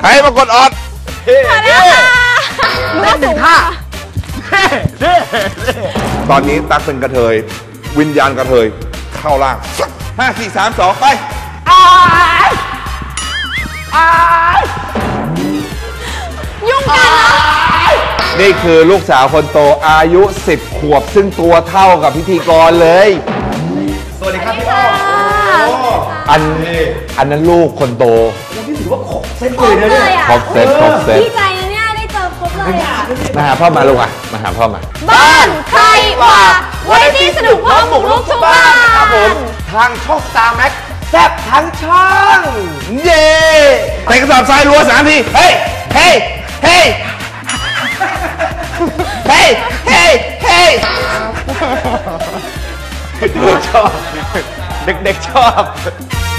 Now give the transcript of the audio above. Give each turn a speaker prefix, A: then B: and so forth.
A: ใครมากดออด
B: เล่นหนึ่งท่า
A: ตอนนี้ตั๊กเป็นกระเทยวิญญาณกระเทยเข้าล่าง5 4 3 2ไป
B: ยุ่งกันเหรอ
A: นี่คือลูกสาวคนโตอายุ10 ขวบซึ่งตัวเท่ากับพิธีกรเลย
C: สวัสดีครับพี่อ้อ
A: อันนั้นลูกคนโต
C: นี่ถือว่าครบเซตเลยนะเนี่ย
A: ครบเซต
B: ดีใจนะเนี่ยได้เจอครบเลยอ่ะ
A: มาหาพ่อมาลูกอ่ะมาหาพ่อมา
B: บ้านใครว่าวันนี้สนุกพ่อหมุกลูกทุกบ้าน
C: ครับผมทางช่อง Star Max แซ่บทั้งช่อง
A: เย่ใส่กระสอบทรายรัว3 ทีเฮ้ยเฮ้ยเฮ้ยเฮ้ยเฮ้ยเฮ้ย
C: ชอบเด็กๆชอบ